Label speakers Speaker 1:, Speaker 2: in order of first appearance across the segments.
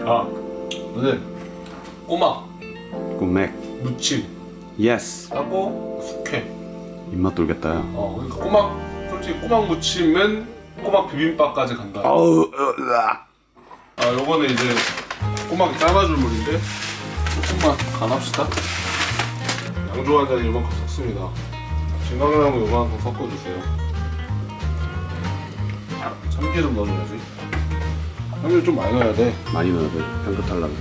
Speaker 1: 아, 오늘 꼬막
Speaker 2: 꼬맥
Speaker 1: 무침
Speaker 2: 예스
Speaker 1: 하고 숙회.
Speaker 2: 입맛 돌겠다 야.
Speaker 1: 그러니까 꼬막, 솔직히 꼬막 무침은 꼬막 비빔밥까지 간다.
Speaker 2: 어우
Speaker 1: 요거는 이제 꼬막이 삶아줄 물인데 조금만 간합시다. 양조 한 잔에 요만큼 섞습니다. 진강나무 요만큼 섞어주세요. 참기름 넣어줘야지. 참기름 좀 많이 넣어야 돼.
Speaker 2: 많이 넣어야 돼. 향긋하려면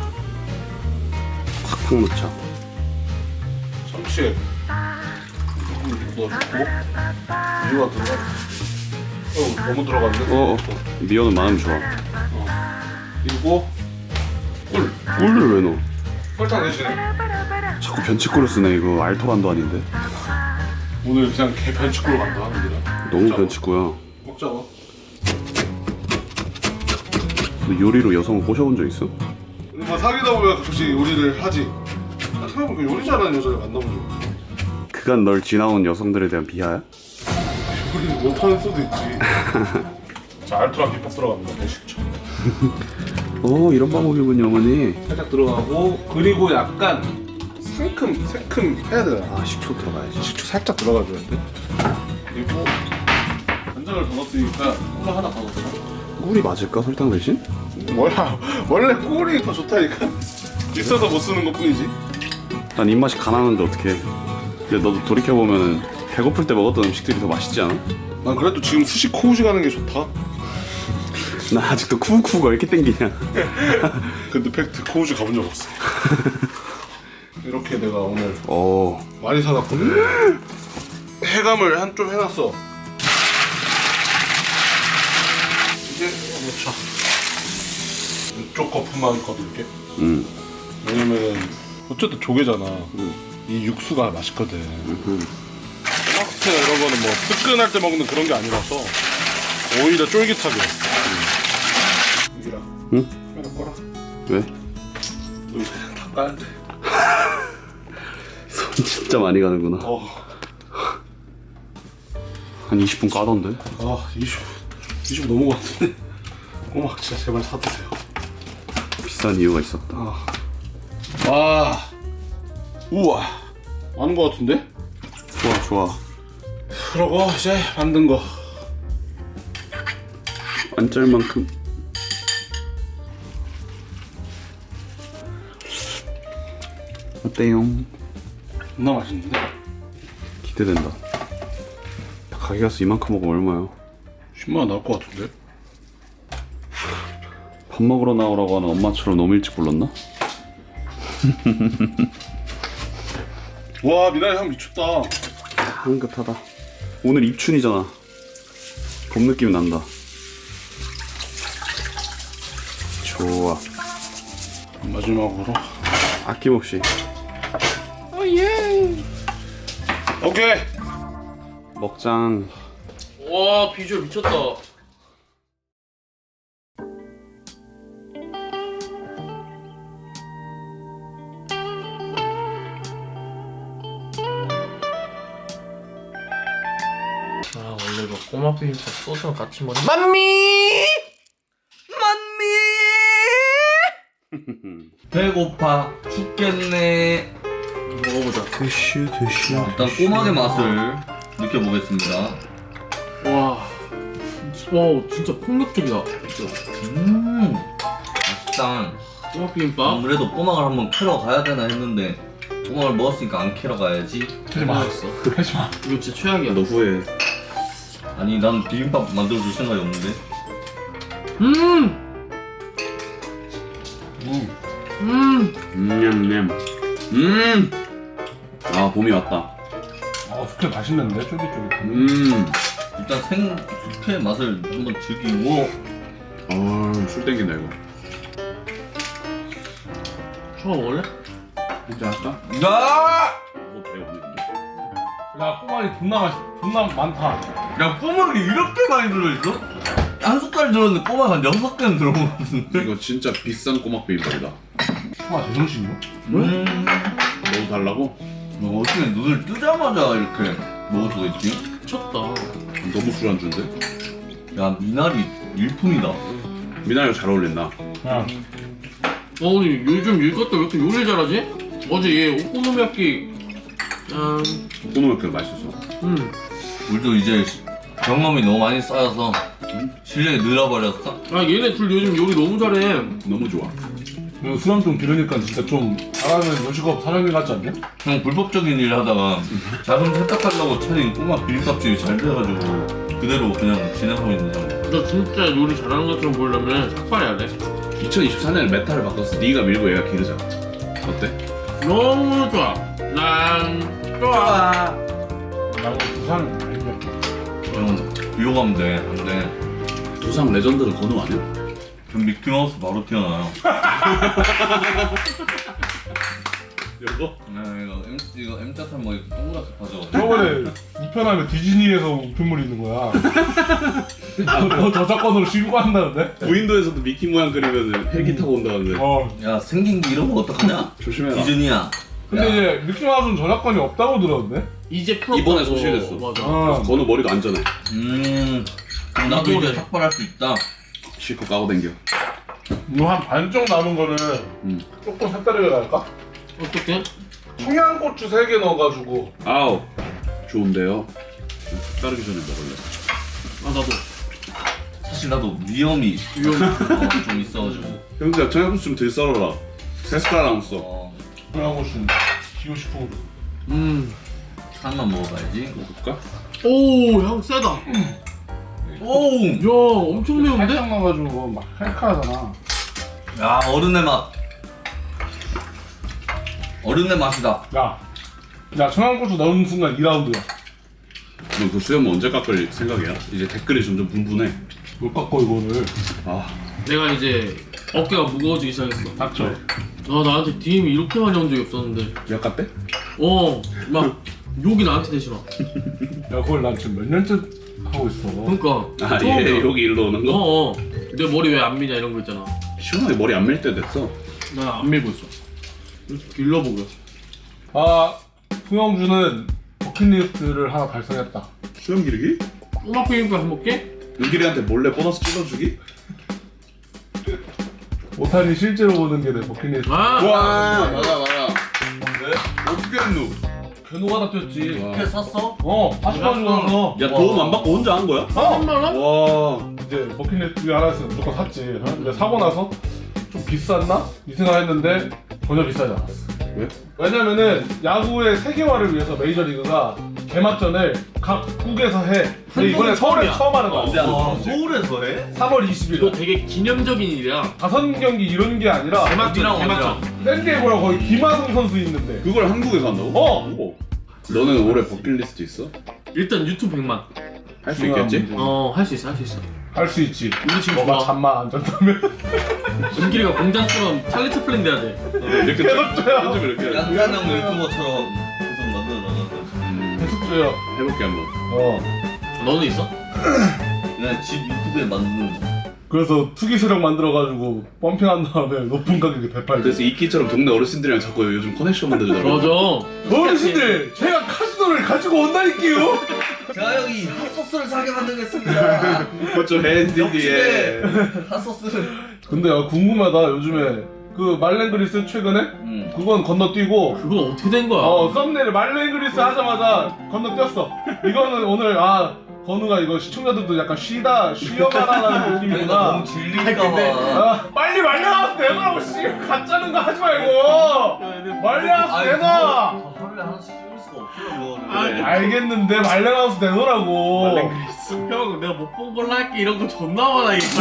Speaker 2: 팍팍 넣자.
Speaker 1: 참치액 조금 넣어주고 미원 들어가. 너무 들어갔네.
Speaker 2: 미원은 많으면 좋아.
Speaker 1: 그리고 꿀.
Speaker 2: 꿀을 왜 넣어?
Speaker 1: 설탕 대신에.
Speaker 2: 자꾸 변치꿀을 쓰네. 이거 알토란도 아닌데.
Speaker 1: 오늘 그냥 개 변치꿀로 간다 우리가.
Speaker 2: 너무 변치꾸야.
Speaker 1: 먹자고.
Speaker 2: 너 요리로 여성을 꼬셔본 적 있어?
Speaker 1: 뭐 사귀다 보면 가끔씩 요리를 하지. 생각해보니까 요리 잘하는 여자를 만나본 적 없어.
Speaker 2: 그간 널 지나온 여성들에 대한 비하야?
Speaker 1: 요리를 못하는 수도 있지. 자, 알토란 비법 들어갑니다. 110초.
Speaker 2: 이런 방법이군요 어머니.
Speaker 1: 살짝 들어가고, 그리고 약간 새큼 해야 되나?
Speaker 2: 아 10초 들어가야지.
Speaker 1: 식초 살짝 들어가줘야 돼. 그리고 간장을 더 넣었으니까 꿀 하나 더 넣자.
Speaker 2: 꿀이 맞을까 설탕 대신?
Speaker 1: 뭐야? 원래 꿀이 더 좋다니까. 비싸서 못 쓰는 것 뿐이지.
Speaker 2: 난 입맛이 가난한데 어떡해. 근데 너도 돌이켜보면은 배고플 때 먹었던 음식들이 더 맛있지 않아?
Speaker 1: 난 그래도 지금 스시 코우지 가는 게 좋다.
Speaker 2: 나 아직도 쿠우쿠우가 왜 이렇게 땡기냐.
Speaker 1: 근데 팩트 코우지 가본 적 없어. 이렇게 내가 오늘
Speaker 2: 오
Speaker 1: 많이 사놨거든. 해감을 한 좀 해놨어. 이제 넣자. 이쪽 거품만 거둘게. 왜냐면 어쨌든 조개잖아. 이 육수가 맛있거든. 토마토나 이런 거는 뭐 뜨끈할 때 먹는 그런 게 아니라서 오히려 쫄깃하게. 유기라.
Speaker 2: 응?
Speaker 1: 하나 꺼라.
Speaker 2: 왜?
Speaker 1: 너 이제 다 까야 돼.
Speaker 2: 손 진짜 많이 가는구나. 한 20분 까던데?
Speaker 1: 20 넘은 것 같은데. 꼬막 진짜 제발 사드세요.
Speaker 2: 비싼 이유가 있었다.
Speaker 1: 우와, 많은 것 같은데?
Speaker 2: 좋아 좋아.
Speaker 1: 그러고 이제 만든 거.
Speaker 2: 안 짤 만큼. 어때요?
Speaker 1: 존나 맛있는데?
Speaker 2: 기대된다. 가게 가서 이만큼 먹으면 얼마야?
Speaker 1: 10만 원 나올 것 같은데?
Speaker 2: 밥 먹으러 나오라고 하는 엄마처럼 너무 일찍 불렀나?
Speaker 1: 와, 미나리 향 미쳤다.
Speaker 2: 향긋하다. 오늘 입춘이잖아. 봄 느낌이 난다. 좋아.
Speaker 1: 마지막으로.
Speaker 2: 아낌없이.
Speaker 1: 오케이.
Speaker 2: 먹장.
Speaker 3: 와 비주얼 미쳤다. 원래 이거 꼬막 비빔밥 소스랑 같이 먹는 만미 배고파 죽겠네. 먹어보자.
Speaker 2: 드슈.
Speaker 3: 일단 꼬막의 맛을 느껴보겠습니다.
Speaker 4: 와 진짜 폭력적이다.
Speaker 3: 맛있다.
Speaker 4: 꼬막 비빔밥.
Speaker 3: 아무래도 꼬막을 한번 캐러 가야 되나 했는데 꼬막을 먹었으니까 안 캐러 가야지.
Speaker 1: 하지마. 하지마.
Speaker 4: 이거 진짜 최악이야.
Speaker 2: 너 후회.
Speaker 3: 아니 난 비빔밥 만들어줄 생각이 없는데.
Speaker 2: 냠냠. 아 봄이 왔다.
Speaker 1: 숙회 맛있는데? 쫄깃쫄깃.
Speaker 3: 일단 숙회 맛을 한번 즐기고.
Speaker 2: 술 땡긴다 이거.
Speaker 4: 초밥 먹을래?
Speaker 2: 진짜 할까?
Speaker 3: 야!
Speaker 2: 너 배고픈데?
Speaker 1: 야, 꼬막이 존나 많다.
Speaker 3: 야 꼬막이 이렇게 많이 들어있어? 한 숟갈 들었는데 꼬막 한 6개는 들어온 것 같은데?
Speaker 2: 이거 진짜 비싼 꼬막 비빔밥이다.
Speaker 1: 꼬막 제정신이야?
Speaker 2: 너무 달라고?
Speaker 3: 너 어떻게 눈을 뜨자마자 이렇게 먹을 수가 있지?
Speaker 4: 미쳤다.
Speaker 2: 너무 술안주인데?
Speaker 3: 야 미나리 일품이다.
Speaker 2: 미나리가 잘 어울린다.
Speaker 1: 야,
Speaker 4: 오늘 요즘 일 것도 왜 이렇게 요리를 잘하지? 어제 얘 오코노미야끼 짠.
Speaker 2: 오코노미야끼가 맛있었어.
Speaker 3: 우리도 이제 경험이 너무 많이 쌓여서 실력이 늘어버렸어.
Speaker 4: 아 얘네 둘 요즘 요리 너무 잘해.
Speaker 2: 너무 좋아.
Speaker 1: 그리고 수염 좀 기르니까 진짜 좀 잘하는 요식업 사장님 같지 않냐?
Speaker 3: 그냥 불법적인 일을 하다가 자금 세탁하려고 차린 꼬마 비빔밥집이 잘 돼가지고 그대로 그냥 진행하고 있는 사람.
Speaker 4: 너 진짜 요리 잘하는 것처럼 보이려면 삭발해야 돼.
Speaker 2: 2024년에 메타를 바꿨어. 네가 밀고 얘가 기르자. 어때?
Speaker 4: 너무 좋아. 난 좋아.
Speaker 1: 나는 부산 아니야.
Speaker 3: 그냥 비호가면 돼. 안 돼.
Speaker 2: 두상 레전드는 건우 아니야?
Speaker 3: 그럼 미키마우스 바로 튀어나와요.
Speaker 2: 이거?
Speaker 3: 네, 이거 M자탄 뭐 이렇게 동그랗게 파져.
Speaker 1: 저번에 우편하면 디즈니에서 우편물이 있는 거야. 너 저작권으로 신고한다는데?
Speaker 2: 무인도에서도 미키 모양 그리면 헬기 타고 온다는데.
Speaker 3: 야 생긴 게 이런 거 어떡하냐?
Speaker 2: 조심해라.
Speaker 3: 디즈니야.
Speaker 1: 근데 이제 미키마우스는 저작권이 없다고 들었는데?
Speaker 4: 이제 풀었다고.
Speaker 2: 이번에 소실했어.
Speaker 4: 맞아.
Speaker 2: 그래서 건우 머리도 안전해.
Speaker 3: 그럼 나도 이제 삭발할 수 있다.
Speaker 2: 실컷 까고 댕겨.
Speaker 1: 이거 한 반쪽 남은 거는 조금 색다르게 갈까?
Speaker 4: 어떻게?
Speaker 1: 청양고추 3개 넣어가지고
Speaker 2: 아우 좋은데요. 따르기 전에 먹을래.
Speaker 4: 아 나도.
Speaker 3: 사실 나도 위험이 좀 있어가지고.
Speaker 2: 형제야 청양고추 좀 덜 썰어라. 3숟가락 써.
Speaker 1: 청양고추는 기호식품으로
Speaker 3: 하나만 먹어봐야지.
Speaker 2: 먹을까?
Speaker 4: 오 향 세다.
Speaker 3: 오!
Speaker 4: 야 엄청 매운데?
Speaker 1: 살짝 넣어가지고 막 칼칼하잖아.
Speaker 3: 야 어른의 맛. 어른의 맛이다.
Speaker 1: 야 청양고추 넣은 순간 2라운드야.
Speaker 2: 너 그 수염 언제 깎을 생각이야? 이제 댓글이 점점 분분해.
Speaker 1: 못 깎고 이거를.
Speaker 2: 아
Speaker 4: 내가 이제 어깨가 무거워지기 시작했어.
Speaker 1: 닥쳐.
Speaker 4: 나 나한테 DM이 이렇게 많이 온 적이 없었는데.
Speaker 2: 약 깎대?
Speaker 4: 막 욕이 나한테 대지 마.
Speaker 1: 야 그걸 난 지금 몇 년째 하고 있어.
Speaker 4: 그러니까.
Speaker 2: 아
Speaker 4: 처음이야.
Speaker 2: 얘 여기 일로 오는 거?
Speaker 4: 내 머리 왜 안 미냐 이런 거 있잖아.
Speaker 2: 시원하게 머리 안 밀 때 됐어.
Speaker 4: 나 안 밀고 있어. 길러보고.
Speaker 1: 아 풍영주는 버킷리스트를 하나 달성했다.
Speaker 2: 수염 기르기?
Speaker 4: 꼬막 비빔밥 해먹게?
Speaker 2: 은길이한테 몰래 보너스 찔러주기?
Speaker 1: 오탄이 실제로 보는 게 내 버킷리스트.
Speaker 4: 아!
Speaker 2: 와 맞아.
Speaker 3: 왜?
Speaker 2: 어떻게 했노?
Speaker 1: 견우가 다 뛰었지.
Speaker 3: 이렇게 샀어?
Speaker 1: 40만 주면서
Speaker 2: 야 도움 안 받고 혼자 한 거야?
Speaker 4: 3만원?
Speaker 2: 와
Speaker 1: 이제 버킷리스트 중에 하나 있으면 무조건 샀지. 근데 사고 나서 좀 비쌌나? 이 생각했는데 전혀 비싸지 않았어.
Speaker 2: 왜?
Speaker 1: 왜냐면은 야구의 세계화를 위해서 메이저리그가 개막전을 각 국에서 해. 근데 이번에 서울에
Speaker 4: 처음이야.
Speaker 1: 처음 하는 거야.
Speaker 2: 언제 하는
Speaker 3: 와
Speaker 2: 거야?
Speaker 3: 서울에서 해?
Speaker 1: 3월
Speaker 4: 이거
Speaker 1: 20일.
Speaker 4: 되게 기념적인 일이야.
Speaker 1: 5경기 이런 게 아니라
Speaker 3: 어디랑
Speaker 4: 개막전.
Speaker 1: 샌디에고랑 거의 김하성 선수 있는데.
Speaker 2: 그걸 한국에서 한다고?
Speaker 1: 어!
Speaker 2: 너는 올해 버킷리스트 있어?
Speaker 4: 일단 유튜브 100만.
Speaker 2: 할 수 있겠지?
Speaker 4: 할 수 있어.
Speaker 1: 할 수 있지.
Speaker 4: 우리 지금
Speaker 1: 너가
Speaker 4: 좋아.
Speaker 1: 잠만 안 잔다면.
Speaker 4: 은길이가 공장처럼 찰리 채플린 돼야 돼.
Speaker 2: 이렇게 편집을 이렇게 해야지.
Speaker 3: 양산형 유튜버처럼 계속 만들어 나가서.
Speaker 1: 계속줘요.
Speaker 2: 해볼게 한번.
Speaker 4: 너는 있어?
Speaker 3: 그냥 집 유튜브에 만드는 거.
Speaker 1: 그래서 투기 세력 만들어가지고 펌핑한 다음에 높은 가격에 되팔지.
Speaker 2: 그래서 이끼처럼 동네 어르신들이랑 자꾸 요즘 커넥션 만들더라고.
Speaker 4: 맞아.
Speaker 1: 어르신들, 제가 카지노를 가지고 온다니까요.
Speaker 3: 제가 여기 핫소스를 사게 만들겠습니다.
Speaker 2: 그좀 핸디디에.
Speaker 3: 핫소스를.
Speaker 1: 근데 야, 궁금하다. 요즘에 그 말랭그리스 최근에 그건 건너뛰고
Speaker 4: 그건 어떻게 된 거야?
Speaker 1: 썸네일 말랭그리스 하자마자 건너뛰었어. 이거는 오늘 건우가 이거 시청자들도 약간 쉬어가라는 느낌이구나.
Speaker 3: 너무 질릴까봐.
Speaker 1: 빨리 말려놔서 내놔라고 씨 가짜는 거 하지 말고 말려놔서 내놔.
Speaker 3: 하루에 하나씩 찍을 수가 없어요 그거를.
Speaker 1: 알겠는데 말려놔서 내놓으라고.
Speaker 4: 형 내가 못 본 걸로 할게 이런 거 존나 많아 이거.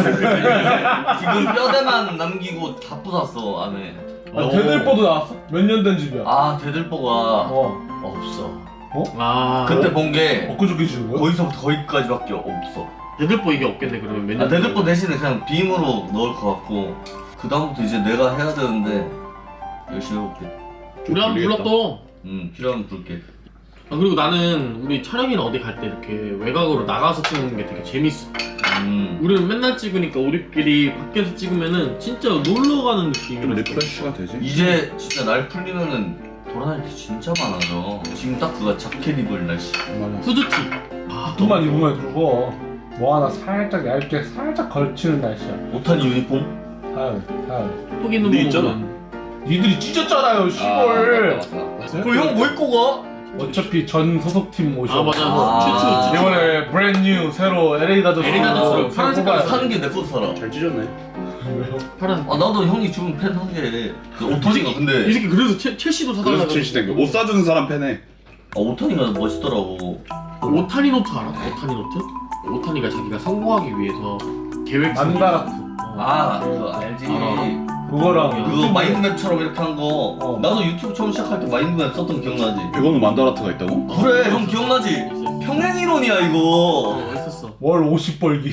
Speaker 3: 지금 뼈대만 남기고 다 부쉈어 안에.
Speaker 1: 대들보도 나왔어? 몇 년 된 집이야?
Speaker 3: 아 대들보가
Speaker 1: 어.
Speaker 3: 없어.
Speaker 4: 아
Speaker 3: 그때 본 게
Speaker 1: 엊그저께 지은 거야?
Speaker 3: 거기서부터 거기까지밖에 없어.
Speaker 4: 대들보 이게 없겠네 그러면 몇 년?
Speaker 3: 대들보 대신에 그냥 빔으로 넣을 것 같고 그 다음부터 이제 내가 해야 되는데 열심히 해볼게.
Speaker 4: 우리 한번 불렀어.
Speaker 3: 필요하면 부를게.
Speaker 4: 아 그리고 나는 우리 촬영이나 어디 갈 때 이렇게 외곽으로 나가서 찍는 게 되게 재밌어. 우리는 맨날 찍으니까 우리끼리 밖에서 찍으면은 진짜 놀러 가는
Speaker 2: 좀
Speaker 4: 느낌이라.
Speaker 2: 리프레시가 되지?
Speaker 3: 이제 진짜 날 풀리면은 돌아다닐 게 진짜 많아져. 지금 딱 그거 자켓 입을 날씨.
Speaker 2: 맞아.
Speaker 4: 후드티. 아
Speaker 1: 두만 입으면 그거 뭐 하나 살짝 얇게 살짝 걸치는 날씨야.
Speaker 3: 못한 유니폼?
Speaker 1: 타야.
Speaker 4: 톡 있는
Speaker 2: 네
Speaker 4: 거
Speaker 2: 있잖아.
Speaker 4: 보면
Speaker 1: 니들이 찢었잖아요, 시골.
Speaker 3: 그럼 형 뭐 입고 가?
Speaker 1: 어차피 전 소속팀 모셔.
Speaker 4: 아 맞아
Speaker 3: 아.
Speaker 4: 추추
Speaker 1: 이번에 브랜드 뉴 새로 LA 다저스
Speaker 4: LA 다저스로 파란 색깔
Speaker 3: 사는 게 내 거 살아.
Speaker 2: 잘 찢었네.
Speaker 4: 파란
Speaker 3: 아 나도 형이 주는 팬 한 개. 그 오탄이가
Speaker 4: 이
Speaker 3: 근데
Speaker 4: 새끼 그래서 첼시도
Speaker 2: 그래서
Speaker 4: 사달라고
Speaker 2: 첼시 땡겨. 옷 사주는 사람 팬해.
Speaker 3: 오탄이가 멋있더라고.
Speaker 4: 오타니 노트 알아? 오타니 노트? 오타니가 자기가 성공하기 위해서 계획
Speaker 1: 만다라트.
Speaker 3: 아 그거 알지.
Speaker 1: 그거랑
Speaker 3: 그거 마인드맵처럼 이렇게 한 거.
Speaker 1: 어.
Speaker 3: 나도 유튜브 처음 시작할 때 마인드맵 썼던 거 기억나지?
Speaker 2: 100원은 만다라트가 있다고?
Speaker 3: 그래 형 기억나지?
Speaker 4: 있어.
Speaker 3: 평행이론이야 이거.
Speaker 4: 있었어
Speaker 1: 월 50 벌기.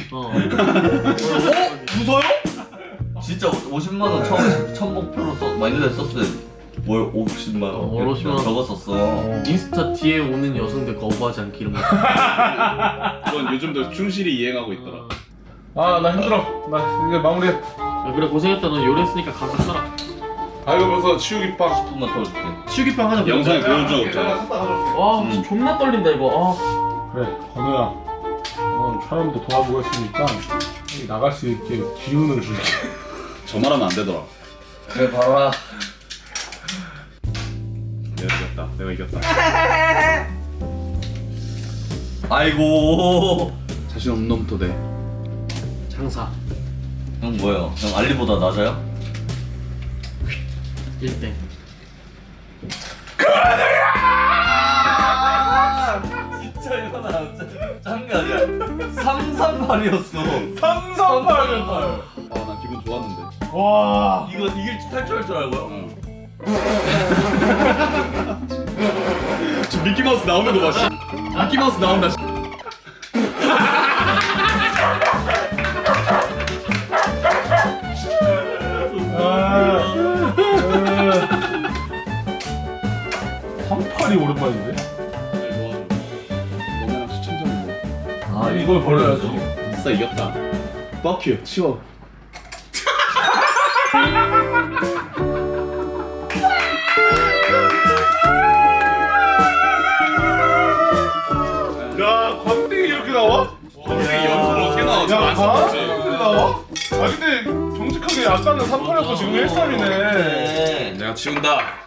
Speaker 3: 무서요? 진짜 50만 원 처음 첫 목표로 마인드맵 썼을 때 월 50만 원.
Speaker 4: 월 50만 원.
Speaker 3: 적었었어.
Speaker 4: 인스타 뒤에 오는 여성들 거부하지 않기 이런 거
Speaker 2: 그건 요즘도 충실히 이행하고 있더라.
Speaker 1: 아, 나 힘들어. 나 이제 마무리해.
Speaker 4: 야, 그래 고생했다 너 요리했으니까 감사 써라
Speaker 1: 아, 이거 벌써 치우기 빵.
Speaker 3: 10분만 더 줄게.
Speaker 4: 치우기빵 하자
Speaker 2: 영상에 보여준 적 없잖아.
Speaker 4: 와 진짜 존나 떨린다 이거
Speaker 1: 그래, 건우야. 촬영도 도와주고 했으니까 여기 나갈 수 있게 기운을 줄게.
Speaker 2: 저 말하면 안 되더라.
Speaker 3: 그래 봐라.
Speaker 2: 내가 이겼다. 내가 이겼다.
Speaker 3: 아이고.
Speaker 2: 자신 없는 놈부터 돼.
Speaker 4: 장사
Speaker 3: 형 뭐예요? 형 알리보다 낮아요?
Speaker 4: 1대
Speaker 3: 진짜 이거 나 짠게 아니야. 338이었어.
Speaker 1: 338.
Speaker 2: 아, 난 기분 좋았는데.
Speaker 1: 와.
Speaker 3: 이거 탈 줄 알고요?
Speaker 2: 지금 미키마우스 나오는 거 봐, 씨. 미키마우스 나온다, 씨.
Speaker 1: 삼팔이 오랜만인데?
Speaker 2: 너네랑 시청자인데.
Speaker 3: 아
Speaker 1: 이걸 버려야죠.
Speaker 2: 진짜 이겼다. Fuck you. 치워.
Speaker 1: 야, 광땡이 이렇게 나와?
Speaker 2: 이게 연습을 어떻게 나와?
Speaker 1: 야,
Speaker 2: 지금 안 써봤지?
Speaker 1: 이렇게 나와? 아, 근데 정직하게 아까는 38이었고 지금 13이네.
Speaker 3: 네.
Speaker 2: 내가 치운다.